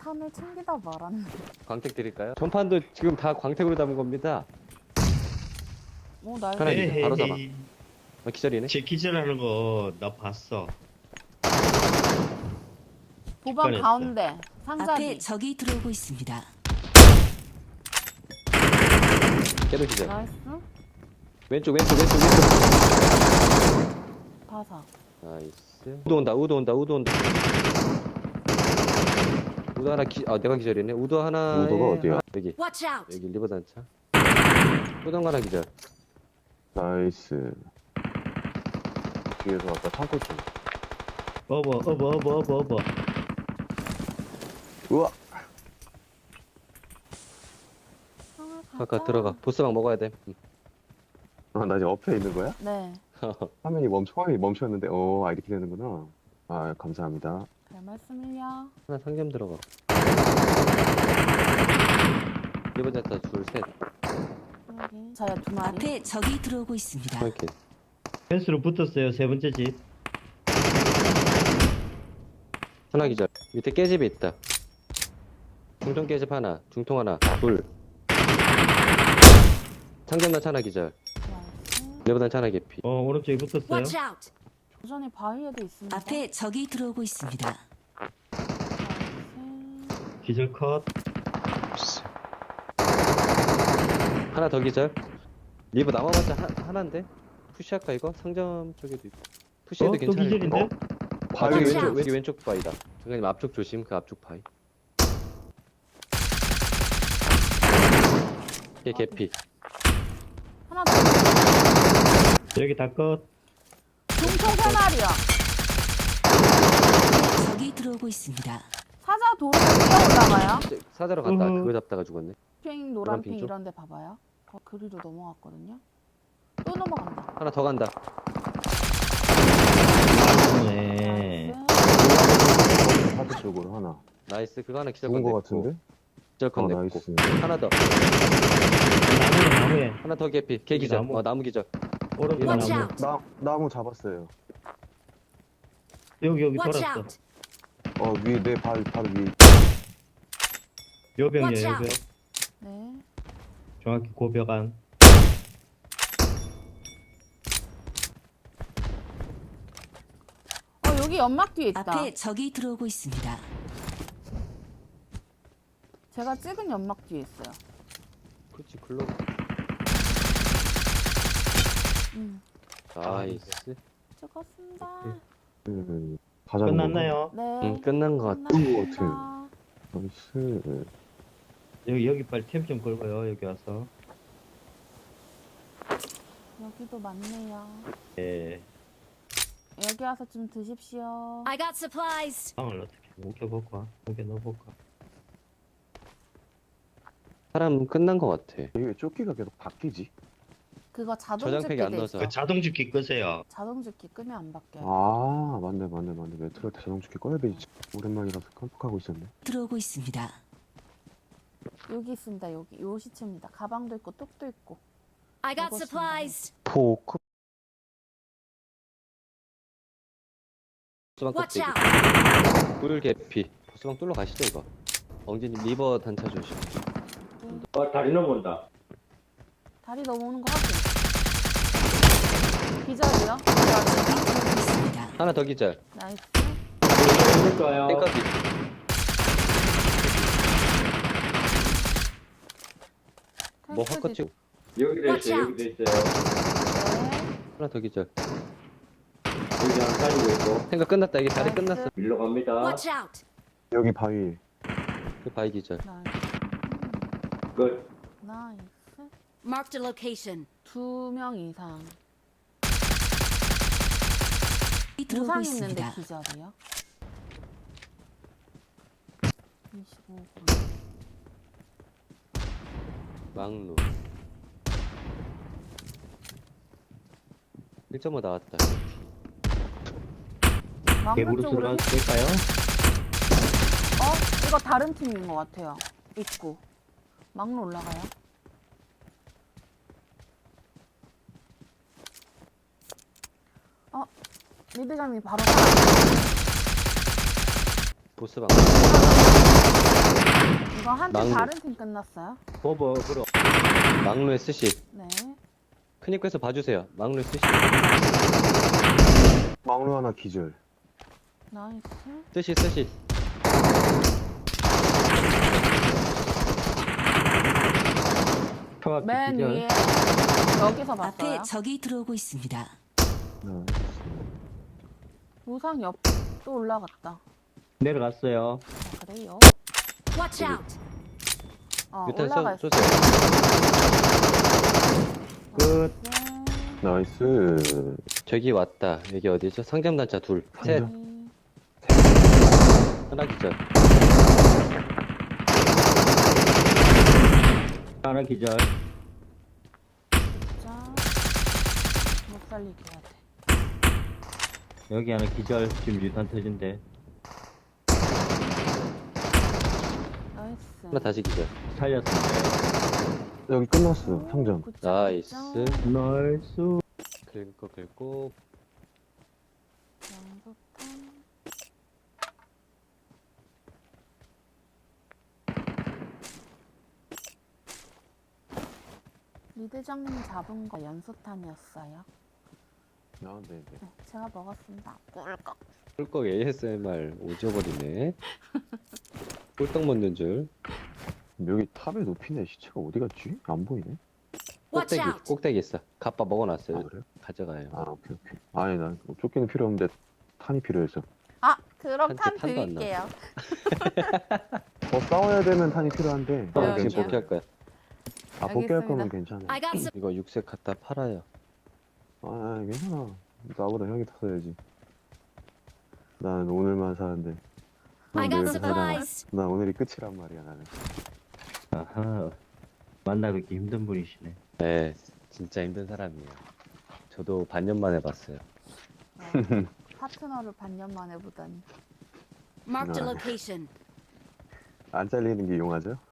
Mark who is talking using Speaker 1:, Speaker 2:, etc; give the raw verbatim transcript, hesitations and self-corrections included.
Speaker 1: 탄을 챙기다 말았네.
Speaker 2: 광택 드릴까요? 전판도 지금 다 광택으로 담은 겁니다.
Speaker 1: 오, 날
Speaker 2: 하나 기절, 바로 잡아.
Speaker 3: 에헤이.
Speaker 2: 아, 기절이네.
Speaker 3: 제 기절하는 거 나 봤어.
Speaker 1: 도방
Speaker 3: 직관했어.
Speaker 1: 가운데 상자
Speaker 4: 앞에
Speaker 1: 뒤.
Speaker 4: 적이 들어오고 있습니다.
Speaker 2: 걔도 기절.
Speaker 1: 나이스.
Speaker 2: 왼쪽, 왼쪽, 왼쪽, 왼쪽.
Speaker 1: 바사.
Speaker 2: 나이스. 우도 온다, 우도 온다, 우도 온다. 우도 하나 기, 아, 내가 기절이네. 우도 하나.
Speaker 5: 우도가 어디야?
Speaker 2: 여기.
Speaker 4: Watch out!
Speaker 2: 여기 리버 단차. 우도 하나 기절.
Speaker 5: 나이스. 뒤에서 아까 창고 쪽.
Speaker 3: 어버 어버 어버 어버 어버.
Speaker 5: 우와!
Speaker 2: 아까 들어가. 보스방 먹어야 돼. 응.
Speaker 5: 아, 나 이제 엎혀 있는 거야?
Speaker 1: 네.
Speaker 5: 화면이 멈춰, 화면이 멈췄는데, 어, 아, 이렇게 되는구나. 아, 감사합니다.
Speaker 1: 별 말씀을요.
Speaker 2: 하나 상점 들어가. 리버 단차 둘, 셋.
Speaker 1: 여기. 자야 두 마리.
Speaker 4: 앞에 적이 들어오고 있습니다.
Speaker 2: 이렇게.
Speaker 3: 펜스로 붙었어요. 세 번째 집.
Speaker 2: 하나 기절. 밑에 깨집이 있다. 중통 깨집 하나, 중통 하나, 둘. 상점단 하나 기절.
Speaker 1: 나이스.
Speaker 2: 리버단 하나 개피.
Speaker 3: 어 오른쪽에 붙었어요.
Speaker 4: Watch out!
Speaker 1: 도전이 바위에도 있습니다.
Speaker 4: 앞에 적이 들어오고 있습니다.
Speaker 1: 나이스.
Speaker 3: 기절 컷.
Speaker 2: 하나 더 기절. 리버 남아봤자 하, 하나인데? 푸시할까 이거? 상점 쪽에도 있고. 푸시해도
Speaker 3: 어, 또
Speaker 2: 괜찮을 것
Speaker 3: 기절인데?
Speaker 2: 같아.
Speaker 5: 바위
Speaker 2: 저기
Speaker 4: 왼쪽.
Speaker 2: 왼쪽, 왼쪽, 왼쪽 바위다. 정관님 앞쪽 조심, 그 앞쪽 바위. 얘 개피.
Speaker 1: 하나 더.
Speaker 3: 여기 다 컷.
Speaker 1: 중통 세 마리야.
Speaker 4: 적이 들어오고 있습니다.
Speaker 1: 사자 도로 뛰어 올라가요.
Speaker 2: 이제 사자로 갔다
Speaker 3: 으흠.
Speaker 2: 그거 잡다가 죽었네.
Speaker 1: 핑,
Speaker 2: 노란
Speaker 1: 노란핑
Speaker 2: 핑 쪽?
Speaker 1: 이런 데 봐봐요. 어, 그리로 넘어갔거든요. 또 넘어간다.
Speaker 2: 하나 더 간다.
Speaker 3: 네.
Speaker 1: 나이스.
Speaker 5: 하드 쪽으로 하나.
Speaker 2: 나이스. 그거 하나 기절
Speaker 5: 죽은
Speaker 2: 건
Speaker 5: 거
Speaker 2: 냈고.
Speaker 5: 같은데?
Speaker 2: 기절
Speaker 5: 어,
Speaker 2: 건 냈고.
Speaker 5: 나이스.
Speaker 2: 하나 더.
Speaker 3: 나무에 나무에.
Speaker 2: 하나 더 개피. 개 기절.
Speaker 3: 나무.
Speaker 2: 어, 나무 기절.
Speaker 3: 오른쪽
Speaker 4: Watch
Speaker 3: 나무.
Speaker 4: out!
Speaker 5: 나, 나무 잡았어요.
Speaker 3: 여기 여기
Speaker 4: Watch
Speaker 3: 돌았어.
Speaker 4: out!
Speaker 5: 어, 위에, 내 발, 바로 위에.
Speaker 3: 요병이야
Speaker 4: Watch
Speaker 3: 요병.
Speaker 4: out.
Speaker 1: 네.
Speaker 3: 정확히 고벽 안.
Speaker 1: 어, 여기 연막 뒤에 있다.
Speaker 4: 앞에 적이 들어오고 있습니다.
Speaker 1: 제가 찍은 연막 뒤에 있어요.
Speaker 2: 그렇지, 글로.
Speaker 1: 음.
Speaker 2: 나이스.
Speaker 1: 찍었습니다.
Speaker 5: 음, 다 잡은
Speaker 3: 끝났나요?
Speaker 1: 네.
Speaker 2: 응, 끝난 것 같아.
Speaker 1: 끝났습니다.
Speaker 5: 것 나이스.
Speaker 3: 여기 여기 빨리 템 좀 걸고요. 여기 와서.
Speaker 1: 여기도 많네요.
Speaker 3: 예.
Speaker 1: 여기 와서 좀 드십시오.
Speaker 4: I got supplies!
Speaker 3: 방을 어떻게 옮겨볼까? 옮겨 넣어볼까?
Speaker 2: 사람 끝난 것 같아.
Speaker 5: 이게 조끼가 계속 바뀌지?
Speaker 1: 그거 자동
Speaker 2: 저장팩이
Speaker 1: 집기
Speaker 2: 안
Speaker 1: 돼
Speaker 2: 넣어서.
Speaker 1: 있어.
Speaker 3: 그 자동 죽기 끄세요.
Speaker 1: 자동 집기 끄면 안 바뀌어요.
Speaker 5: 아, 맞네, 맞네, 맞네. 메트로 때 자동 조끼 꺼야 되지. 오랜만이라서 깜빡하고 있었네.
Speaker 4: 들어오고 있습니다.
Speaker 1: 여기 있습니다. 여기 요 시체입니다. 가방도 있고 뚝도 있고.
Speaker 4: I got
Speaker 1: 먹었습니다.
Speaker 4: supplies!
Speaker 2: 포크. 보스방
Speaker 4: Watch
Speaker 2: 껍데기.
Speaker 4: out!
Speaker 2: 꿀 개피. 보스방 뚫러 가시죠 이거. 엉진님 리버 단차 조심.
Speaker 3: 어 다리 넘어온다.
Speaker 1: 다리 넘어오는 거 확인. 기절이요?
Speaker 4: 적이 들어오고 있습니다.
Speaker 2: 하나 더 기절.
Speaker 1: 나이스.
Speaker 3: 그럴까요?
Speaker 2: 땡까지. 뭐
Speaker 1: 텔스
Speaker 2: 헛것
Speaker 1: 디-
Speaker 2: 치고.
Speaker 3: 여기도
Speaker 4: Watch
Speaker 3: 있어요.
Speaker 4: out.
Speaker 3: 여기도 있어요.
Speaker 1: 네.
Speaker 2: 하나 더 기절.
Speaker 3: 여기 하나 살리고 있고.
Speaker 2: 생각 끝났다. 이게 다리
Speaker 1: 나이스.
Speaker 2: 끝났어.
Speaker 3: 밀러 갑니다.
Speaker 4: Watch out!
Speaker 5: 여기 바위.
Speaker 2: 그 바위 기절.
Speaker 1: 나이스.
Speaker 3: 끝.
Speaker 1: 나이스.
Speaker 4: Marked a location.
Speaker 1: 두 명 이상.
Speaker 4: 적이 들어오고
Speaker 1: 부상 있는데
Speaker 4: 있습니다.
Speaker 1: 기절이요? 이십오 분.
Speaker 2: 막루. 일 점 오 나왔다.
Speaker 1: 망고
Speaker 3: 개구로
Speaker 1: 쪽으로.
Speaker 3: 들어갈까요?
Speaker 1: 어? 이거 다른 팀인 것 같아요. 입구. 막로 올라가요. 어? 미드감이 바로.
Speaker 2: 보스방.
Speaker 1: 이거 한 팀
Speaker 2: 망고.
Speaker 1: 다른 팀 끝났어요?
Speaker 3: 보버 그럼
Speaker 2: 막루에 스시.
Speaker 1: 네.
Speaker 2: 큰입구에서 봐주세요. 막루에 스시.
Speaker 5: 막루 하나 기절.
Speaker 1: 나이스.
Speaker 2: 스시 스시.
Speaker 3: 초합
Speaker 1: 맨
Speaker 3: 기절.
Speaker 1: 위에 여기서 봤어요.
Speaker 4: 앞에 적이 들어오고 있습니다.
Speaker 5: 네.
Speaker 1: 우상 옆 또 올라갔다.
Speaker 3: 내려갔어요.
Speaker 1: 아, 그래요?
Speaker 4: Watch out!
Speaker 1: 어,
Speaker 2: 유탄
Speaker 1: 올라가
Speaker 2: 쏘,
Speaker 1: 있어.
Speaker 2: 쏘세요.
Speaker 3: 끝.
Speaker 1: 네.
Speaker 5: 나이스.
Speaker 2: 저기 왔다. 여기 어디죠? 상점단차 둘. 셋.
Speaker 5: 상점.
Speaker 2: 하나 기절.
Speaker 3: 하나 기절.
Speaker 1: 진짜 못 살리게 해야 돼.
Speaker 3: 여기 하나 기절. 지금 유탄 터진대.
Speaker 1: 나이스.
Speaker 2: 하나 다시 기절.
Speaker 3: 살렸습니다.
Speaker 5: 여기 끝났어. 상점.
Speaker 1: 굿점,
Speaker 2: 나이스.
Speaker 1: 굿점.
Speaker 3: 나이스.
Speaker 2: 긁고 긁고.
Speaker 1: 양소탄. 리 대장님 잡은 거 연소탄이었어요.
Speaker 5: 아, 네, 네.
Speaker 1: 네, 제가 먹었습니다. 꿀꺽.
Speaker 2: 꿀꺽 에이에스엠알 오져버리네. 꿀떡 먹는 줄.
Speaker 5: 여기 탑에 높이네. 시체가 어디 갔지? 안 보이네.
Speaker 4: Watch
Speaker 2: 꼭대기
Speaker 4: out!
Speaker 2: 꼭대기 있어. 갑바 먹어놨어요.
Speaker 5: 아, 그래요?
Speaker 2: 가져가요.
Speaker 5: 아, 오케이, 오케이. 아니, 난 쫓기는 필요 없는데 탄이 필요해서.
Speaker 1: 아, 그럼
Speaker 2: 한테
Speaker 1: 탄
Speaker 2: 탄도 안
Speaker 1: 드릴게요.
Speaker 5: 더 싸워야 되면 탄이 필요한데.
Speaker 2: 어,
Speaker 1: 여기요.
Speaker 2: 지금 복귀할 거야.
Speaker 5: 아, 복귀할
Speaker 1: 알겠습니다.
Speaker 5: 거면 괜찮아.
Speaker 4: I got some.
Speaker 2: 이거 육색 갖다 팔아요.
Speaker 5: 아, 괜찮아. 나보다 형이 더 써야지. 난 오늘만 사는데.
Speaker 4: I
Speaker 5: 난
Speaker 4: got
Speaker 5: 내일 살아.
Speaker 4: supplies.
Speaker 5: 난 오늘이 끝이란 말이야, 나는.
Speaker 3: 아하. 만나뵙기 힘든 분이시네.
Speaker 2: 네, 진짜 힘든 사람이에요. 저도 반년 만에 봤어요.
Speaker 1: 어, 파트너를 반년 만에 보다니.
Speaker 4: Marked a
Speaker 5: No.
Speaker 4: location.
Speaker 5: 안 잘리는 게 용하죠?